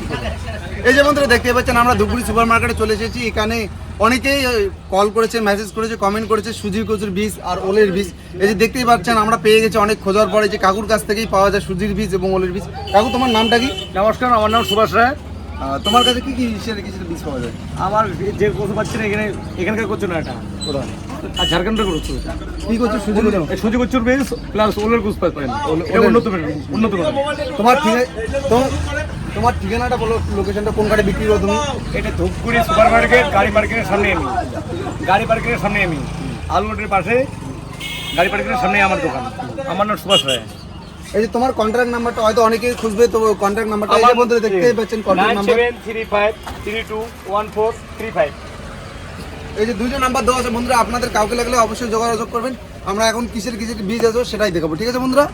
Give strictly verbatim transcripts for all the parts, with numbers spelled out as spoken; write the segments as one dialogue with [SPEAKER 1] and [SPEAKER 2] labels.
[SPEAKER 1] এই যে বন্ধুরা দেখতে পাচ্ছেন আমরা ধূপগুড়ি সুপার মার্কেটে চলে এসেছি। এখানে অনেকেই কল করেছে, মেসেজ করেছে, কমেন্ট করেছে সুজি কচুর বীজ আর ওলের বীজ। এই যে দেখতেই পাচ্ছেন আমরা পেয়ে গেছি অনেক খোঁজার পরে যে কাকুর কাছ থেকেই পাওয়া যায় সুজির বীজ এবং ওলের বীজ। কাকু তোমার নামটা কি?
[SPEAKER 2] নমস্কার, আমার নাম সুভাষ রায়।
[SPEAKER 1] তোমার কাছে কি কি হিসেবে কিছু বীজ পাওয়া যায়?
[SPEAKER 2] আমার যে কচু পাচ্ছি না এখানে, এখানকার কচু না, এটা
[SPEAKER 1] কোথায়?
[SPEAKER 2] ঝাড়খণ্ডের কচু।
[SPEAKER 1] কি কচু? সুজি কচু?
[SPEAKER 2] সুজি কচুর বীজ প্লাস ওলের কচু পাবেন, উন্নত উন্নত মানের।
[SPEAKER 1] তোমার ঠিকানা তোমার ঠিকানাটা বলো, লোকেশনটা কোন গাড়ি বিক্রি করো তুমি?
[SPEAKER 2] এটা ধূপগুড়ি সুপার মার্কেট, গাড়ি পার্কিংয়ের সামনে আমি গাড়ি পার্কিংয়ের সামনে আমি আলু রোডের পাশে গাড়ি পার্কিংয়ের সামনে আমার দোকান। আমার নাম সুভাষ রায়।
[SPEAKER 1] এই যে তোমার কন্ট্যাক্ট নাম্বারটা হয়তো অনেকেই খুঁজবে, তো কন্ট্যাক্ট নাম্বারটা এই যে বন্ধুরা দেখতেই পাচ্ছেন, contact number
[SPEAKER 2] nine seven three five three two one four three five.
[SPEAKER 1] এই যে দুইটা নাম্বার দেওয়া আছে বন্ধুরা, আপনাদের কাউকে লাগলে অবশ্যই যোগাযোগ করবেন। আমরা এখন কিসের কিসের বীজ আছে সেটাই দেখাবো, ঠিক আছে বন্ধুরা?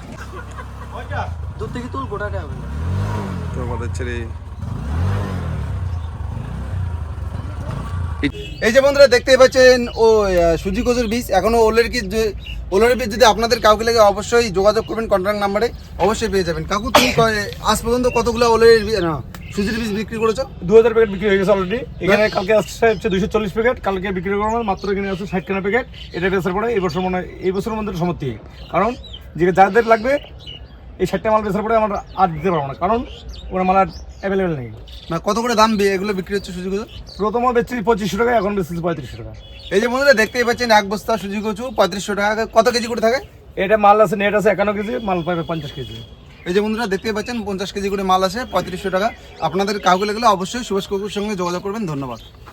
[SPEAKER 1] দূর থেকে তুল গোটাটা হবে তো আমাদের ছেড়ে। এই যে বন্ধুরা দেখতেই পাচ্ছেন ও সুজি কচুর বীজ, এখনো ওলের কি ওলের বীজ যদি আপনাদের কাউকে লাগে অবশ্যই যোগাযোগ করবেন, কন্ট্যাক্ট নাম্বারে অবশ্যই পেয়ে যাবেন। কাকু তুমি আজ পর্যন্ত কতগুলো ওলের না সুজির বীজ বিক্রি করেছো?
[SPEAKER 2] দু হাজার প্যাকেট বিক্রি হয়ে গেছে অলরেডি। এখানে কালকে আসছে হচ্ছে দুইশো চল্লিশ প্যাকেট, কালকে বিক্রি করলাম মাত্র এখানে আছে ষাট খানা প্যাকেট। এটা বেচার পরে এই বছর মনে হয় এই বছরের মধ্যে সমাপ্তি, কারণ যে যাদের লাগবে এই ষাটটা মাল বেচার পরে আমরা আর দিতে পারবো না, কারণ ওরা মাল আর অ্যাভেলেবেল নেই।
[SPEAKER 1] না কত করে দাম এগুলো বিক্রি হচ্ছে সুজি কচু?
[SPEAKER 2] প্রথম বেচছি পঁচিশশো টাকা, এখন বেচছি পঁয়ত্রিশশো টাকা।
[SPEAKER 1] এই যে বন্ধুরা দেখতেই পাচ্ছেন এক বস্তা সুজি কচু পঁয়ত্রিশশো টাকা। কত কেজি করে থাকে
[SPEAKER 2] এটা? মাল আছে নেট আছে একান্ন কেজি, মাল পাবে পঞ্চাশ কেজি।
[SPEAKER 1] এই যে বন্ধুরা দেখতেই পাচ্ছেন পঞ্চাশ কেজি করে মাল আছে, পঁয়ত্রিশশো টাকা। আপনাদের কাউকে লাগলে অবশ্যই সুভাষ কাকুর সঙ্গে যোগাযোগ করবেন। ধন্যবাদ।